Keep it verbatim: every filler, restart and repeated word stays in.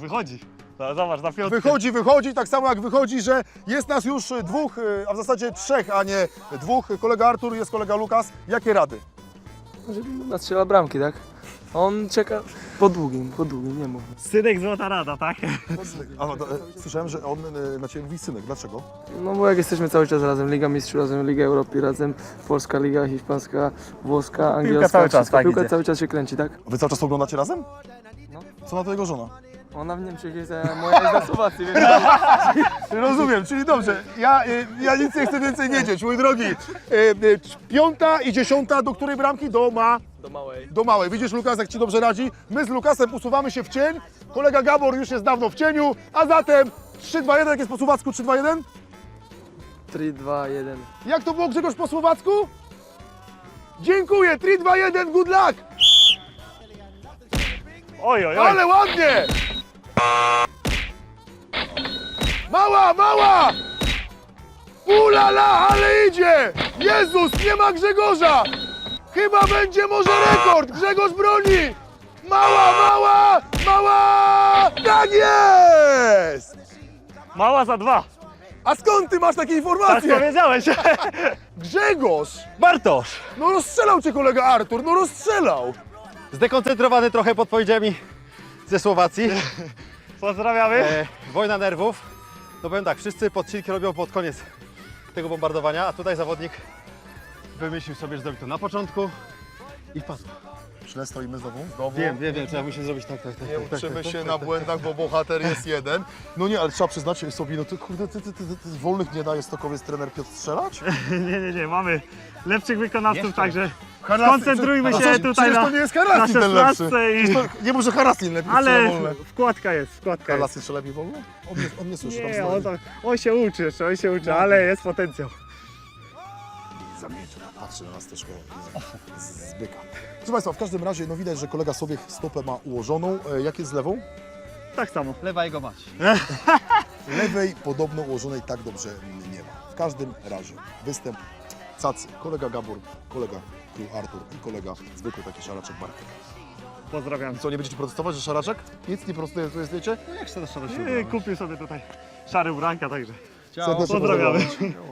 wychodzi. Zobacz, na piątkę. Wychodzi, wychodzi, tak samo jak wychodzi, że jest nas już dwóch, a w zasadzie trzech, a nie dwóch. Kolega Artur, jest kolega Lukas. Jakie rady? Żeby nastrzela bramki, tak? On czeka po długim, po długim, nie mów. Synek złota rada, tak? A, no, to, e, słyszałem, że on e, na Ciebie mówi synek. Dlaczego? No bo jak jesteśmy cały czas razem, Liga Mistrzów razem, Liga Europy razem, Polska Liga, Hiszpańska, Włoska, Angielska, cały czas, wszystko, tak piłka idzie. cały czas się kręci, tak? Wy cały czas oglądacie razem? No. Co na to jego żona? Ona w Niemczech jest, a moja jest na Słowacji, więc... Rozumiem, czyli dobrze. Ja, e, ja nic nie chcę więcej wiedzieć, mój drogi. E, e, piąta i dziesiąta, do której bramki? Do ma... Do małej. do małej. Widzisz, Lukas, jak Ci dobrze radzi? My z Lukasem usuwamy się w cień. Kolega Gabor już jest dawno w cieniu, a zatem trzy dwa jeden, jak jest po słowacku trzy dwa jeden? trzy, dwa, jeden. Jak to było, Grzegorz, po słowacku? Dziękuję, trzy dwa jeden, good luck! Oj, oj, oj. Ale ładnie! Mała, mała! Ulala, ale idzie! Jezus, nie ma Grzegorza! Chyba będzie może rekord! Grzegorz broni! Mała, mała, mała! Tak jest! Mała za dwa. A skąd ty masz takie Tak informacje? powiedziałeś. Grzegorz! Bartosz. No rozstrzelał cię kolega Artur, no rozstrzelał! Zdekoncentrowany trochę podpowiedziami ze Słowacji. Pozdrawiamy. E, wojna nerwów. No powiem tak, wszyscy podcinki robią pod koniec tego bombardowania, a tutaj zawodnik wymyślił sobie, że zrobi to na początku i wpadł. Źle stoimy znowu? Znowu? Wiem, wiem, wiem, trzeba musi zrobić tak, tak, tak. Nie tak, tak, uczymy tak, się tak, na tak, błędach, bo bohater jest jeden. No nie, ale trzeba przyznać sobie, no to kurde, ty, ty, ty, ty, ty z wolnych nie daje Stokowiec trener Piotr strzelać? Nie, nie, nie, mamy lepszych wykonawców, Jeszcze. także Harasy- skoncentrujmy A się co, tutaj przecież na, to nie jest na Harasin ten lepszy. szesnastce i... To, nie może Harasin lepiej Ale strzela wolne. wkładka jest, wkładka jest. Harasy strzela lepiej wolno? On nie, on nie słyszy, tam Nie, stoi. on, to, on się uczy jeszcze, on się uczy, ale jest potencjał. Zamieńczy, patrzy na nas troszkę z, z byka. Proszę Państwa, w każdym razie no widać, że kolega Sobiech stopę ma ułożoną. E, jak jest z lewą? Tak samo. Lewa jego mać. Lewej podobno ułożonej tak dobrze nie ma. W każdym razie występ cacy. Kolega Gabor, kolega Król Artur i kolega zwykły taki szaraczek Bartek. Pozdrawiam. Co, nie będziecie protestować, że szaraczek? Nic nie protestujecie? Jak się to szaro się Kupił sobie tutaj szary ubranka, także Serdecznie pozdrawiamy. pozdrawiam.